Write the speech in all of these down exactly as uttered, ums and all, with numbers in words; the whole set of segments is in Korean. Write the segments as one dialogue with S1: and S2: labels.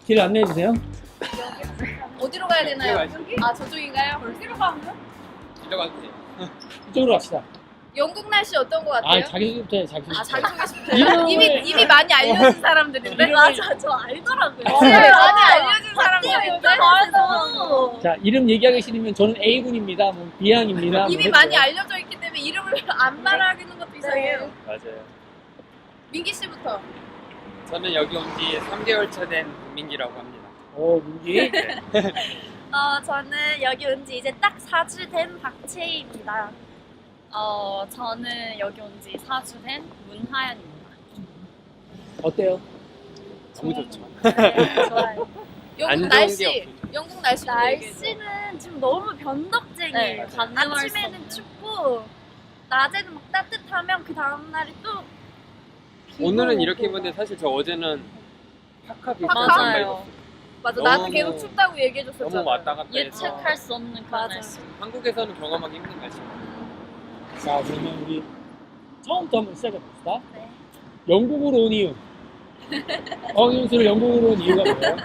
S1: 길 안내해 주세요.
S2: 어디로 가야 되나요?
S3: 여기?
S2: 아 저쪽인가요?
S3: 어디로 가면?
S4: 들어가도 돼.
S1: 이쪽으로 갑시다.
S2: 영국 날씨 어떤 것 같아요?
S1: 아, 자기소개부터 해, 자기소개.
S2: 아 자기소개부터
S1: 이름을-
S2: 이미 이미 많이 알려진 사람들인데.
S3: 맞아, 저 알더라고요.
S2: 네, 많이 알려진
S3: 사람들인데.
S2: 사람들인데.
S3: 맞아.
S1: 자, 이름 얘기하기 싫으면 저는 A군입니다. 뭐 B항입니다. 뭐
S2: 이미
S1: 해주세요.
S2: 많이 알려져 있기 때문에 이름을 안 말하는 것도 이상해요.
S4: 맞아요.
S2: 민기 씨부터.
S4: 저는 여기 온 지 삼 개월 차 된 민기라고 합니다.
S1: 오, 민기.
S3: 어, 저는 여기 온 지 이제 딱 사 주 된 박채희입니다.
S5: 어, 저는 여기 온 지 사 주 된 문하연입니다.
S1: 어때요?
S4: 너무 좋죠.
S3: 네, 좋아요.
S2: 영국
S4: 안 좋은
S2: 날씨.
S4: 게
S2: 영국 날씨.
S3: 날씨는 지금 너무 변덕쟁이에요.
S5: 네, 가늠할 수
S3: 아침에는
S5: 없는.
S3: 춥고 낮에는 막 따뜻하면 그 다음날이 또
S4: 오늘은 이렇게 입었는데 사실 저 어제는 파카 비슷한
S2: 파카?
S4: 잠바
S5: 맞아요.
S4: 입었어요.
S2: 맞아.
S4: 너무-
S2: 나한테 계속 춥다고 얘기해줬었잖아.
S4: 너무 왔다 갔다 해서
S5: 예측할 수 없는 그런
S3: 맞아.
S5: 날씨.
S4: 한국에서는 경험하기 힘든 날씨.
S1: 자, 그러면 우리 처음부터 한번 시작해 봅시다.
S3: 네.
S1: 영국으로 온 이유. 어윤수를 영국으로 온 이유가 뭐예요?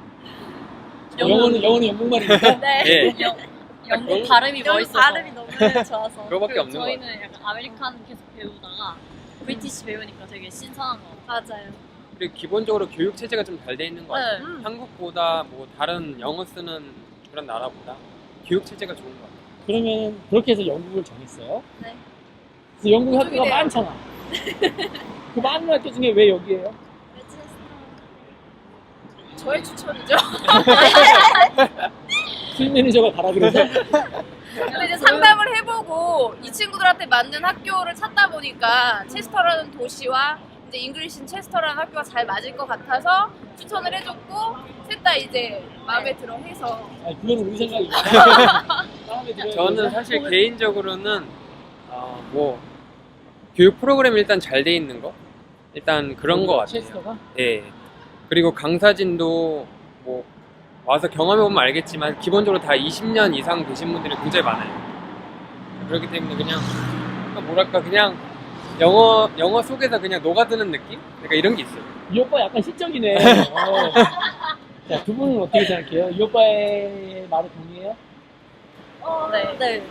S1: 영어는 영어는 영국말입니까?
S3: 네.
S4: 예.
S5: 영, 영국
S4: 영국-
S5: 발음이
S3: 영국
S5: 멋있어서.
S3: 발음이 너무 좋아서.
S4: 그거밖에
S5: 그리고
S4: 없는 거 같아요.
S5: 저희는 약간 아메리칸 계속 배우다가 브리티시 배우니까 되게 신선한 거 같아요.
S3: 맞아요.
S4: 그리고 기본적으로 교육 체제가 좀 잘 돼 있는 것 같아요.
S5: 네.
S3: 음.
S4: 한국보다 뭐 다른 영어 쓰는 그런 나라보다 교육 체제가 좋은 것 같아요.
S1: 그러면 그렇게 해서 영국을 정했어요.
S3: 네.
S1: 그래서 영국 학교가
S2: 그쪽이네요.
S1: 많잖아. 그 많은 학교 중에 왜 여기예요?
S2: 저의 추천이죠.
S1: 수임 매니저가 가라 그래서.
S2: 근데 이제 상담을 해보고 이 친구들한테 맞는 학교를 찾다 보니까 체스터라는 도시와 이제 잉글리신 체스터라는 학교가 잘 맞을 것 같아서 추천을 해줬고 셋 다 이제 마음에 들어 해서
S1: 아니, 그건 우리 생각이니까. 마음에 들어요.
S4: 저는 사실 개인적으로는 어, 뭐 교육 프로그램이 일단 잘 돼 있는 거 일단 그런 거 같아요.
S1: 체스터가?
S4: 예. 그리고 강사진도 뭐 와서 경험해 보면 알겠지만 기본적으로 다 이십 년 이상 되신 분들이 굉장히 많아요. 그렇기 때문에 그냥 뭐랄까 그냥 영어 영어 속에서 그냥 녹아드는 느낌? 그러니까 이런 게 있어요.
S1: 이 오빠 약간 시적이네. 어. 자, 두 분은 어떻게 생각해요? 이 오빠의 말에 동의해요?
S3: 어,
S5: 네.
S3: 네.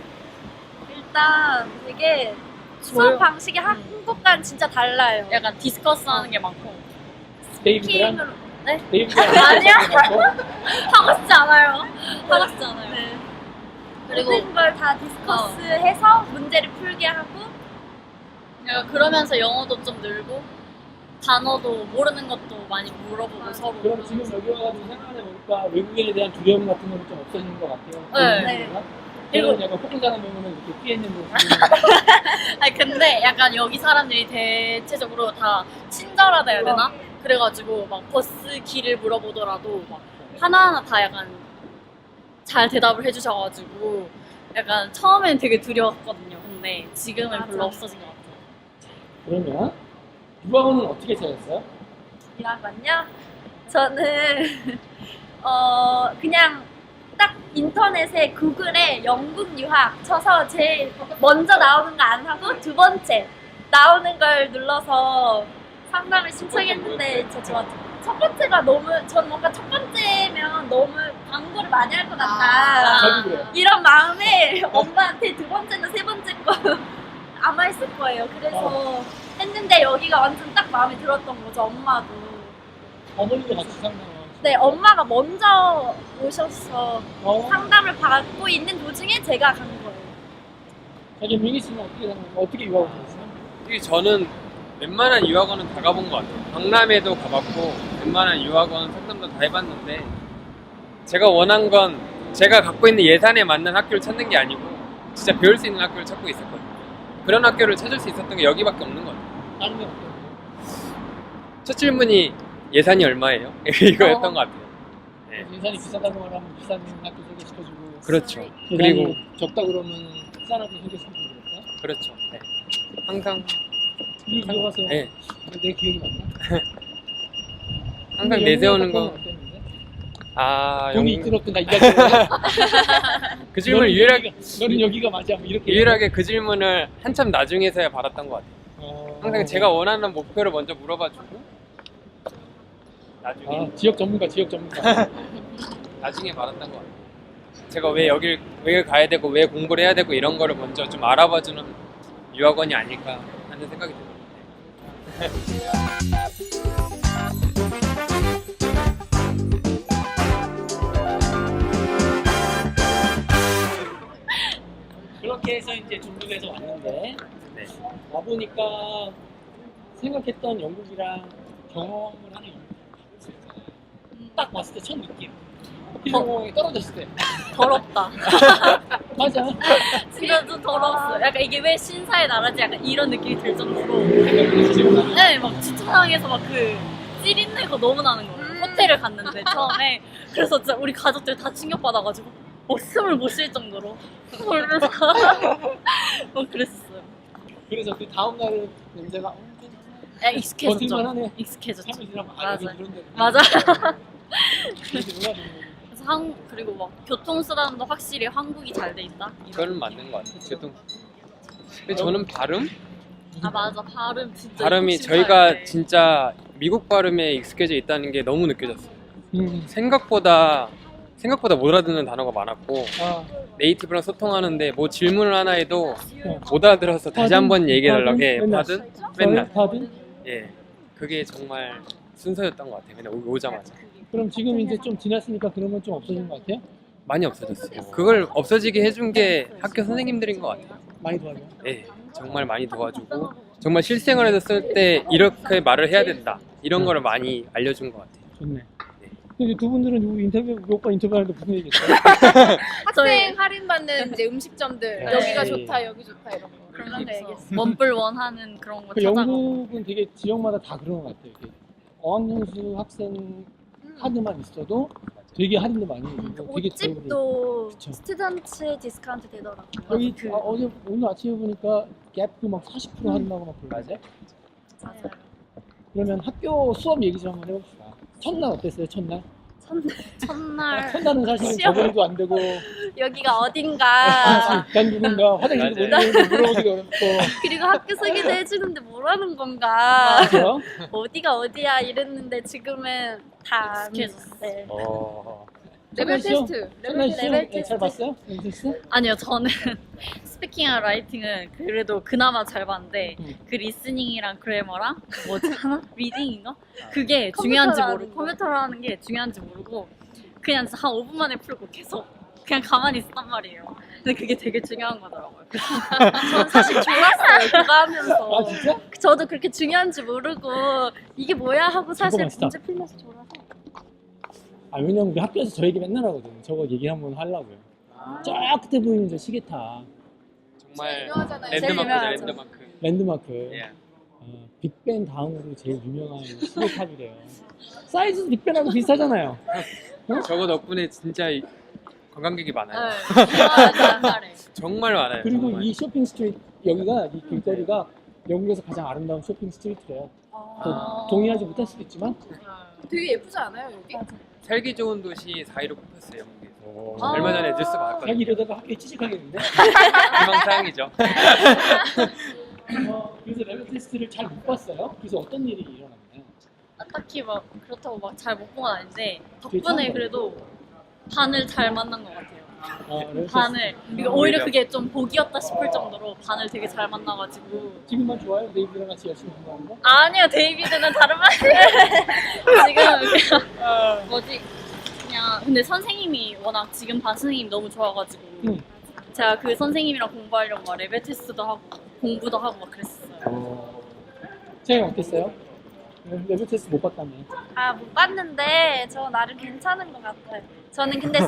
S3: 일단 되게 수업 방식이 한국과는 진짜 달라요.
S5: 약간 디스커스 하는 게 많고.
S1: 데이비드랑?
S3: 스킹으로 네?
S1: 데이비드랑?
S3: 아니야.
S5: 하고 싶지 않아요. 하고 싶지 않아요.
S3: 네.
S5: 그리고
S3: 모든 걸 다 디스커스해서 문제를 풀게 하고
S5: 약간 그러면서 영어도 좀 늘고 단어도 모르는 것도 많이 물어보고 서로.
S1: 그럼 지금 여기 와가지고 생각해 보니까 외국인에 대한 두려움 같은 거는 좀 없어지는 것 같아요.
S5: 네.
S1: 네. 그리고 약간 폭군 사람 보면은 이렇게 피해 있는 모습.
S5: 아니 근데 약간 여기 사람들이 대체적으로 다 친절하다 해야 되나? 그래가지고 막 버스 길을 물어보더라도 막 하나하나 다 약간 잘 대답을 해주셔가지고 약간 처음엔 되게 두려웠거든요. 근데 지금은
S3: 맞아.
S5: 별로 없어진 것 같아요.
S1: 그러면 유학원은 어떻게 찾았어요?
S3: 이란건요. 저는 어 그냥 딱 인터넷에 구글에 영국 유학 쳐서 제일 먼저 나오는 거 안 하고 두 번째 나오는 걸 눌러서 상담을 신청했는데 저 좋았죠. 첫 번째가 너무 전 뭔가 첫 번째면 너무 광고를 많이 할 것 같다.
S1: 저도 그래요.
S3: 이런 마음에 엄마한테 두 번째나 세 번째 거 아마 했을 거예요. 그래서 했는데 여기가 완전 딱 마음에 들었던 거죠. 엄마도.
S1: 어머니도 같이 상담을.
S3: 네, 엄마가 먼저 오셔서
S1: 어?
S3: 상담을 받고 있는 도중에 제가 간 거예요.
S1: 자기 민기 씨는 어떻게 생각해요? 어떻게 유학원 찾았어요?
S4: 특히 저는 웬만한 유학원은 다 가본 것 같아요. 박람회도 가봤고 웬만한 유학원 상담도 다 해봤는데 제가 원한 건 제가 갖고 있는 예산에 맞는 학교를 찾는 게 아니고 진짜 배울 수 있는 학교를 찾고 있었거든요. 그런 학교를 찾을 수 있었던 게 여기밖에 없는 것 같아요.
S1: 다른 데 어때요?
S4: 첫 질문이 예산이 얼마예요? 이거였던
S5: 어.
S4: 것 같아요. 네.
S1: 예산이 비싸다고 하면 비싼 학교 소개시켜주고
S4: 그렇죠.
S1: 예산이
S4: 그리고
S1: 적다 그러면 싼 학교 소개시켜주고 그럴까요?
S4: 그렇죠. 네. 항상
S1: 이 들어가서
S4: 네.
S1: 내 기억이 맞나?
S4: 항상
S1: 근데
S4: 내세우는
S1: 영국
S4: 거.
S1: 학교는 어땠는데?
S4: 아
S1: 돈이
S4: 영...
S1: 들었던 나 이야기.
S4: 그 질문 유일하게
S1: 너는 여기가 맞아 뭐 이렇게.
S4: 유일하게 그 질문을 한참 나중에서야 받았던 것 같아요.
S1: 어...
S4: 항상 제가 원하는 목표를 먼저 물어봐주고 나중에
S1: 아, 지역 전문가, 지역 전문가.
S4: 나중에 말았던 것 같아요. 제가 왜 여길 왜 가야 되고 왜 공부를 해야 되고 이런 거를 먼저 좀 알아봐주는 유학원이 아닐까 하는 생각이 들어요.
S1: 그렇게 해서 이제 중국에서 왔는데
S4: 네.
S1: 와 보니까 생각했던 영국이랑 경험을 하는
S2: 음.
S1: 딱 봤을 때 첫 느낌. 필요공항에 떨어졌을 때.
S5: 더럽다.
S1: 맞아.
S5: 진짜 좀 더러웠어. 약간 이게 왜 신사의 나라지? 약간 이런 느낌이 들 정도로.
S1: 생각보다
S5: 네, 막 주차장에서 막 그 찌린내가 너무 나는 거예요.
S2: 음.
S5: 호텔을 갔는데 처음에. 그래서 진짜 우리 가족들 다 충격받아가지고 어, 숨을 못 쉴 정도로. 그래서 막 그랬었어요.
S1: 그래서 그 다음 날은 냄새가 어,
S5: 야, 익숙해졌죠.
S1: 버틸만하네.
S5: 익숙해졌죠.
S1: 참을 지나면 아,
S5: 맞아.
S1: 여기 이런 데.
S5: 맞아.
S1: 그렇게 놀라주는 거지.
S5: 그래서 한 그리고 막 교통수단도 확실히 한국이 잘 돼 있다. 이런.
S4: 그건 맞는 것 같아요. 교통. 근데 저는 발음?
S5: 아 맞아 발음 진짜.
S4: 발음이
S5: 이국
S4: 저희가
S5: 신사인데.
S4: 진짜 미국 발음에 익숙해져 있다는 게 너무 느껴졌어요.
S1: 음.
S4: 생각보다 생각보다 못 알아듣는 단어가 많았고
S1: 아,
S4: 네이티브랑 소통하는데 뭐 질문을 하나 해도
S1: 어.
S4: 못 알아들어서 다시 한번 얘기를 하려고 해.
S1: 받은?
S4: 받은? 맨날.
S1: 받은?
S4: 예. 그게 정말 순서였던 것 같아요. 그냥 오- 오자마자.
S1: 그럼 지금 이제 좀 지났으니까 그런 건 좀 없어진 것 같아요?
S4: 많이 없어졌어요. 그걸 없어지게 해준 게 학교 선생님들인 것 같아요.
S1: 많이 도와줘요.
S4: 예. 정말 많이 도와주고 정말 실생활에서 쓸 때 이렇게 말을 해야 된다. 이런 거를 많이 알려준 것 같아요.
S1: 좋네. 근데 두 분들은 우리 인터뷰, 우리 오빠 인터뷰하는데 무슨 얘기했어요?
S2: 학생 할인 받는 이제 음식점들
S1: 네.
S2: 여기가 좋다 여기 좋다 이런 거
S5: 그런
S2: 그런 거
S5: 얘기했어.
S2: 얘기했어.
S5: 원뿔 원하는 그런 거
S1: 그
S5: 찾아가고.
S1: 영국은 되게 지역마다 다 그런 것 같아요. 이렇게 어학연수 학생 카드만 있어도 되게 할인도 많이 해주고 되게 좋은
S3: 옷집도
S1: 그쵸.
S3: 스튜던트 디스카운트 되더라고요.
S1: 여기
S5: 그-
S1: 아, 어제 오늘 아침에 보니까 갭도 막 사십 퍼센트 할인하고 막 그러는데
S5: 맞아요.
S1: 그러면 학교 수업 얘기 좀 한번 해봅시다. 첫날 어땠어요? 첫날?
S5: 첫날
S1: 첫날은 사실은
S3: 시험.
S1: 적응도 안 되고
S3: 여기가 어딘가
S1: 난 누군가 화장실도 못
S4: 맞아요.
S1: 가는데 물어보기가 어렵고
S3: 그리고 학교 소개도 해주는데 뭐라는 건가
S1: 그죠?
S3: 어디가 어디야 이랬는데 지금은 다
S5: 익숙해졌어.
S3: 네.
S4: 어...
S2: 레벨
S1: 시험.
S2: 테스트
S1: 첫날
S2: 레벨
S1: 시험
S3: 레벨
S1: 잘
S3: 테스트.
S1: 봤어요? 레벨 테스트?
S5: 아니요 저는 스피킹이랑 라이팅은 그래도 그나마 잘 봤는데
S1: 음.
S5: 그 리스닝이랑 그래머랑 뭐지 하나? 리딩인가? 그게 중요한지
S3: 컴퓨터로
S5: 모르고
S3: 하는 거.
S5: 컴퓨터로 하는 게 중요한지 모르고 그냥 진짜 한 오 분 만에 풀고 계속 그냥 가만히 있었단 말이에요. 근데 그게 되게 중요한 거더라고요.
S3: 전 사실 졸았어요 그거 하면서
S1: 아 진짜?
S3: 저도 그렇게 중요한지 모르고 이게 뭐야 하고 사실
S1: 저거 맛있다.
S3: 문제 풀면서 졸아서
S1: 아 왜냐면 우리 학교에서 저 얘기 맨날 하거든. 저거 얘기 한번 하려고요. 저 끝에 보이는 저 시계탑
S4: 정말
S2: 유명하잖아요.
S3: 제일
S4: 랜드마크죠.
S3: 유명하죠.
S4: 랜드마크.
S1: 랜드마크.
S4: 예.
S1: 어, 빅벤 다음으로 제일 유명한 시계탑이래요. 사이즈도 빅벤하고 비슷하잖아요.
S4: 저거 덕분에 진짜 이- 관광객이 많아요.
S5: 맞아 잘해.
S4: 정말 많아요.
S1: 그리고
S4: 정말.
S1: 이 쇼핑 스트리트 여기가 이 길거리가 영국에서 가장 아름다운 쇼핑 스트리트래요. 또
S5: 아.
S1: 동의하지 못할 수도 있지만
S2: 되게 예쁘지 않아요 여기?
S4: 살기 좋은 도시 사 위로 꼽혔어요. 영국에서.
S5: 아.
S4: 얼마 전에 뉴스 봤거든요.
S1: 자기 이러다가 학교에 취직하겠는데?
S4: 희망사항이죠.
S1: 어, 그래서 레벨 테스트를 잘 못 봤어요. 그래서 어떤 일이 일어났나요?
S5: 딱히 막 그렇다고 막 잘 못 본 건 아닌데
S1: 되게 처음
S5: 덕분에 그래도 반을 잘 만난 것 같아요.
S1: 어, 레벨 테스트.
S5: 반을 그러니까 오히려 그게 좀 복이었다 싶을 정도로 반을 되게 잘 만나가지고
S1: 지금만 좋아요? 네이버랑 같이 열심히 공부하는 거?
S5: 아니요 데이비드는 다른 말 지금 그냥 뭐지 그냥 근데 선생님이 워낙 지금 반 선생님이 너무 좋아가지고
S1: 응.
S5: 제가 그 선생님이랑 공부하려고 막 레벨 테스트도 하고 공부도 하고 막 그랬어요.
S1: 어... 쟤는 어땠어요? 레벨 테스트 못 봤다며.
S3: 아 못 봤는데 저 나름 괜찮은 것 같아요. 저는 근데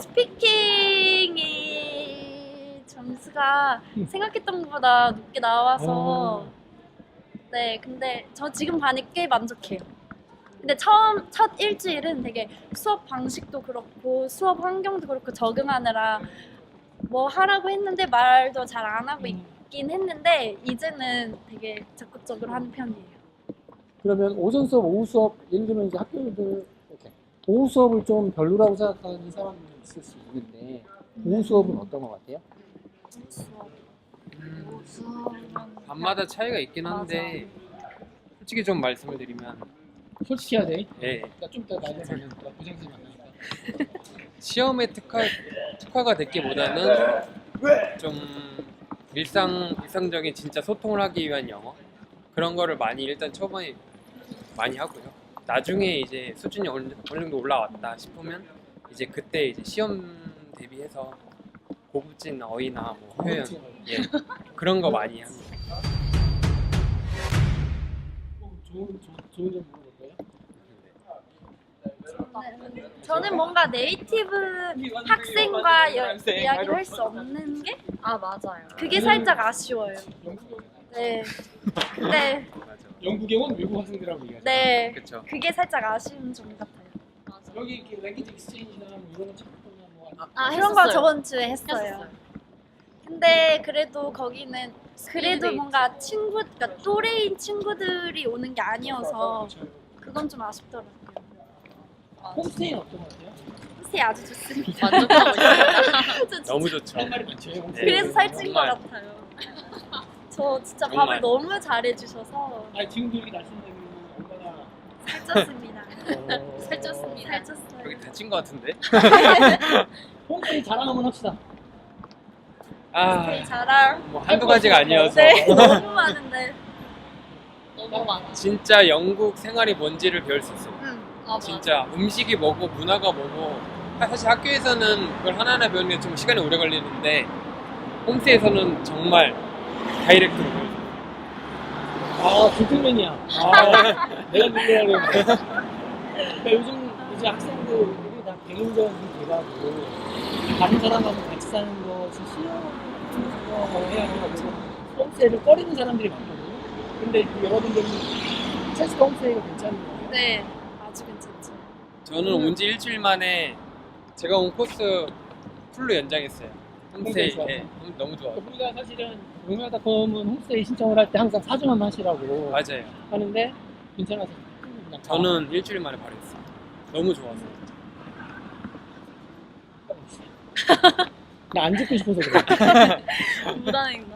S3: 스피킹이 점수가
S1: 음.
S3: 생각했던 것보다 높게 나와서
S1: 어.
S3: 네 근데 저 지금 반이 꽤 만족해요. 근데 처음 첫 일주일은 되게 수업 방식도 그렇고 수업 환경도 그렇고 적응하느라 뭐 하라고 했는데 말도 잘 안 하고 있긴 했는데 이제는 되게 적극적으로 하는 편이에요.
S1: 그러면 오전 수업, 오후 수업, 예를 들면 이제 학교들 이렇게 오후 수업을 좀 별로라고 생각하는 사람들이 있을 수 있는데 오후 수업은 어떤 것 같아요?
S4: 밤마다 차이가 있긴 한데 솔직히 좀 말씀을 드리면
S1: 솔직히 해야 돼.
S4: 예.
S1: 나좀 이따 나중에 만나니까 부장님 만나니까.
S4: 시험에 특화 특화가 됐기보다는 좀 일상 일상적인 진짜 소통을 하기 위한 영어 그런 거를 많이 일단 초반에 많이 하고요. 나중에 이제 수준이 어느 어느 정도 올라왔다 싶으면 이제 그때 이제 시험 대비해서 고급진 어휘나 뭐 표현 예 그런 거 많이 합니다.
S1: 어, 좋은 좋은 좋은 점 물어볼까요?
S3: 저는 뭔가 네이티브 학생과 여, 이야기를 할 수 없는 게
S5: 아 맞아요.
S3: 그게 살짝 아쉬워요.
S1: 영국
S3: 네. 근데
S4: 맞아.
S1: 영국에 온 외국 학생들하고 얘기하죠.
S3: 네.
S4: 그렇죠.
S3: 그게 살짝 아쉬운 점 같아요.
S1: 여기 이렇게 랭귀지 익스체인지나 뭐 이런 거 찾거나 뭐 아니-
S5: 아
S3: 그런 거
S5: 했었어요.
S3: 저번 주에 했어요.
S5: 했었어요.
S3: 근데 그래도 거기는 그래도
S5: 스피드
S3: 뭔가 친구, 그러니까 또래인 친구들이 오는 게 아니어서 그건 좀 아쉽더라고요.
S1: 홈스테이는 어떤 것 같아요?
S3: 홈스테이 아주 좋습니다.
S5: 만족하고 있어요.
S3: 저 진짜
S4: 너무 좋죠.
S1: 할 말이 많죠. 홈스테이.
S3: 그래서 살찐 것
S4: 정말.
S3: 같아요. 저 진짜
S4: 정말.
S3: 밥을 너무 잘해주셔서
S1: 아니 지금도 이렇게 날씬하게 얼마나
S3: 살쪘습니다.
S1: 어,
S5: 살쪘습니다.
S4: 여기
S3: 살쪘어요.
S4: 다친 것 같은데?
S1: 홈스테이 자랑 한번 합시다.
S4: 아,
S3: 되게 자랑.
S4: 뭐 한두 가지가 아니어서
S3: 네, 너무 많은데.
S5: 너무 많아.
S4: 진짜 영국 생활이 뭔지를 배울 수 있어요.
S3: 음.
S5: 아,
S4: 진짜 음식이 뭐고 문화가 뭐고 사실 학교에서는 그걸 하나하나 배우는 게 좀 시간이 오래 걸리는데 홈스테이에서는 정말 다이렉트로 배워요.
S1: 아 젠틀맨이야. 아, 내가 누구라고 했는데. 그러니까 요즘 이제 학생들이 다 배우자들이 돼가지고 다른 사람하고 같이 사는 것이 싫어하고 해야 해가지고 홈스테이를 꺼리는 사람들이 많거든요. 근데 여러분들은 체스터 홈스테이가 괜찮은 거예요?
S3: 네, 아주 괜찮죠.
S4: 저는 온 지 일주일 만에 제가 온 코스 풀로 연장했어요. 홈스테이
S1: 좋아요.
S4: 예, 너무 좋아요.
S1: 우리가 사실은 용야닷컴은 홈스테이 신청을 할 때 항상 사 주만 하시라고
S4: 맞아요.
S1: 하는데 괜찮아서 그냥
S4: 저는 일주일 만에 바로 했어요. 너무 좋아서.
S1: 나 안 듣고 싶어서 그래.
S5: 무단횡단.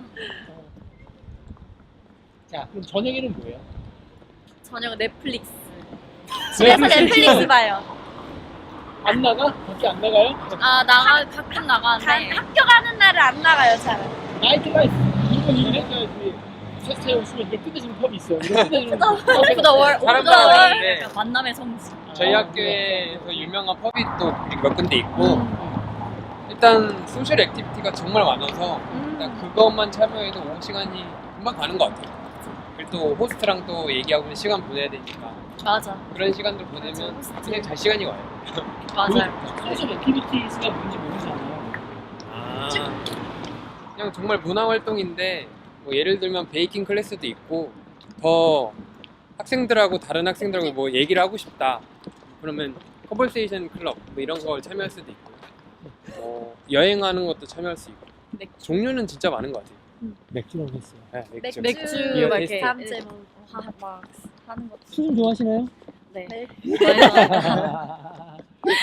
S1: 자, 그럼 저녁에는 뭐예요?
S5: 저녁 넷플릭스.
S3: 집에서
S1: 넷플릭스
S3: 넷플릭스 봐요.
S1: 안 나가? 밖에 안 나가요?
S5: 아 나가 가끔
S3: 간,
S5: 나가는데
S3: 학교 가는 날은 안 나가요, 잘.
S1: 나이트 라이프 이건 이래야지 체스터에 오시면 이걸 끝내주는 펍이 있어요. 이걸 끝내주는
S5: 오브 더 월, 오브
S4: 사람들
S5: 더 월.
S4: 많은데.
S5: 약간 만남의 성지.
S4: 저희
S1: 아,
S4: 학교에서 유명한 펍이 또 몇 군데 있고 일단 소셜 액티비티가 정말 많아서 일단 그것만 참여해도 오후 시간이 금방 가는 것 같아요. 그리고 또 호스트랑 또 얘기하고 시간 보내야 되니까
S5: 맞아.
S4: 그런 시간들 보내면 그냥 잘 시간이 와요.
S5: 맞아요.
S1: 소셜 액티비티스가 뭔지 모르잖아요.
S4: 아, 그냥 정말 문화 활동인데 뭐 예를 들면 베이킹 클래스도 있고 더 학생들하고 다른 학생들하고 뭐 얘기를 하고 싶다 그러면 커버세이션 클럽 뭐 이런 걸 참여할 수도 있고 뭐 여행하는 것도 참여할 수 있고
S5: 맥-
S4: 종류는 진짜 많은 것 같아요.
S1: 맥주라고 했어요.
S4: 네, 맥주.
S5: 맥주
S1: 비어
S5: 막
S1: 테스트.
S5: 이렇게
S3: 다음주에 뭐 하- 막 하는 것도.
S1: 술 좋아하시나요?
S5: 네.
S3: 네.
S1: 아,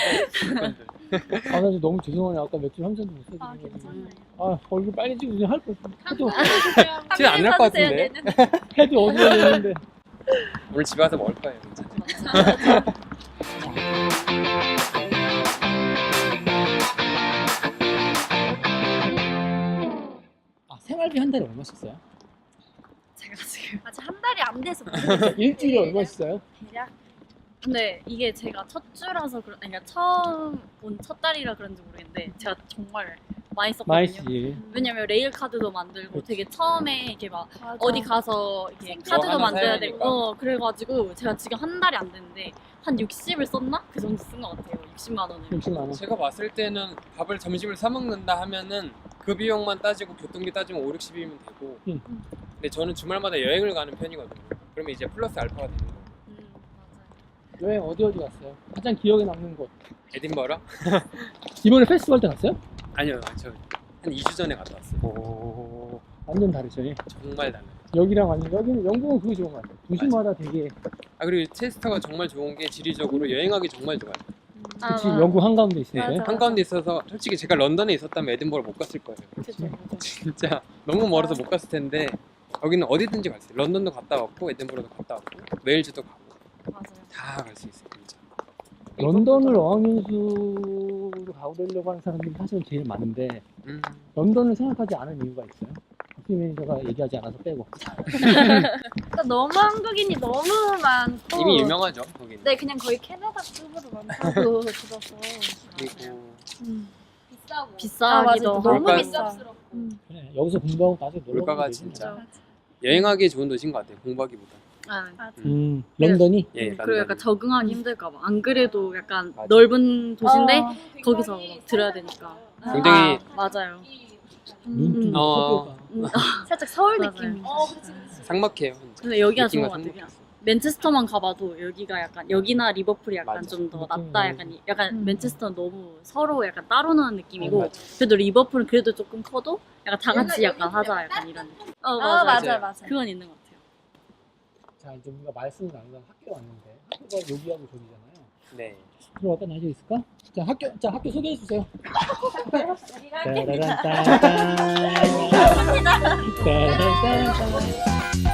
S1: 나 지금 너무 죄송해요. 아까 맥주 한 잔도 못
S3: 아,
S1: 사드리고.
S3: 괜찮아요.
S1: 아, 얼굴 빨개지고 그냥 할 거. 해도,
S4: 티는 안 날 것 같은데
S3: 얘는.
S1: 해도 어디가 되는데.
S4: 오늘 집에 와서 먹을 거예요. 괜찮아요.
S1: 아, 생활비 한 달에 얼마씩 써요?
S5: 제가 지금
S3: 아직 한 달이 안 돼서 모르겠어요.
S1: 일주일에 얼마씩 써요?
S3: 대략.
S5: 근데 이게 제가 첫 주라서 그런 그러니까 처음 온 첫 달이라 그런지 모르겠는데 제가 정말 많이 썼거든요.
S1: 많이 쓰지.
S5: 왜냐면 레일 카드도 만들고
S1: 그치.
S5: 되게 처음에 이렇게 막
S3: 맞아.
S5: 어디 가서 이렇게
S3: 생카드
S5: 카드도
S4: 하나
S5: 만들어야
S4: 사야
S5: 되고
S4: 되니까.
S5: 어 그래가지고 제가 지금 한 달이 안 됐는데 한 육십을 썼나? 그 정도 쓴 것 같아요. 육십만 원을.
S1: 육십만 원.
S4: 제가 봤을 때는 밥을 점심을 사 먹는다 하면은 그 비용만 따지고 교통비 따지면 오백, 육십이면 되고
S1: 응.
S4: 근데 저는 주말마다 여행을 가는 편이거든요. 그러면 이제 플러스 알파가 되는 거예요.
S5: 음, 맞아요.
S1: 여행 어디 어디 갔어요? 가장 기억에 남는 곳.
S4: 에딘버러?
S1: 이번에 페스티벌 때 갔어요?
S4: 아니요, 저 한 이 주 전에 갔다 왔어요.
S1: 오, 완전 다르죠.
S4: 정말 달라요.
S1: 여기랑 완전 여기는 영국은 그게 좋은 것 같아요. 도시마다 되게
S4: 아 그리고 체스터가 정말 좋은 게 지리적으로 여행하기 정말 좋아요.
S3: 아,
S1: 그치
S3: 맞아.
S1: 영국 한가운데 있으니까.
S3: 맞아.
S4: 한가운데 있어서 솔직히 제가 런던에 있었다면 에딘버러 못 갔을 거예요.
S3: 그죠, 그죠.
S4: 진짜 너무 멀어서 못 갔을 텐데 여기는 어디든지 갈 수 있어요. 런던도 갔다 왔고 에딘버러도 갔다 왔고 웨일즈도 가고
S5: 맞아요.
S4: 다 갈 수 있어요. 진짜.
S1: 런던을 어학연수로 가보려고 하는 사람들이 사실은 제일 많은데
S4: 음.
S1: 런던을 생각하지 않은 이유가 있어요? 박수희 매니저가 얘기하지 않아서 빼고.
S3: 그러니까 너무 한국인이 너무 많고
S4: 이미 유명하죠 거기는.
S3: 네, 그냥 거의 캐나다 쪽으로 많다고 들어서
S4: 그리고
S3: 음.
S2: 비싸고.
S5: 비싸기도
S3: 아, 맞아.
S5: 하고.
S3: 너무
S4: 물가-
S3: 비싸.
S2: 비쌉스럽고.
S3: 음.
S1: 그래, 여기서 공부하고 나중에 놀러
S4: 물가가
S1: 가면 되지.
S4: 진짜
S3: 맞아.
S4: 여행하기 좋은 도시인 것 같아요. 공부하기보다.
S5: 아,
S1: 음, 런던이?
S4: 예.
S5: 그리고 약간
S4: 런던이.
S5: 적응하기 힘들까봐. 안 그래도 약간
S4: 맞아.
S5: 넓은 도시인데
S3: 어.
S5: 거기서 막 들어야 되니까.
S4: 굉장히
S5: 아, 맞아요.
S1: 눈
S3: 음.
S4: 어.
S5: 음,
S3: 살짝 서울
S5: 맞아요.
S3: 느낌.
S2: 어, 그렇지, 그렇지.
S4: 삭막해요. 진짜.
S5: 근데 여기가 좋은
S4: 느낌과
S5: 것 같아요. 그냥
S4: 삭막했어.
S5: 맨체스터만 가봐도 여기가 약간 여기나 리버풀이 약간
S4: 맞아.
S5: 좀 더
S1: 느낌이
S5: 낫다.
S1: 너무
S5: 약간 이- 약간
S3: 음.
S5: 맨체스터는 너무 서로 약간 따로 노는 느낌이고
S1: 맞아.
S5: 그래도 리버풀은 그래도 조금 커도 약간 다 같이 약간 하자 약간 이런 느낌. 어
S3: 아,
S5: 맞아
S3: 맞아,
S4: 맞아요.
S3: 맞아.
S5: 그건 있는 것 같아요.
S1: 자, 이제 우리가 말씀을 나누다 학교 왔는데 학교가 여기하고 저기잖아요.
S4: 네.
S1: 들어갈까? 나이저 있을까? 자, 학교, 자, 학교 소개해 주세요. 따라란따따. 따라란따따.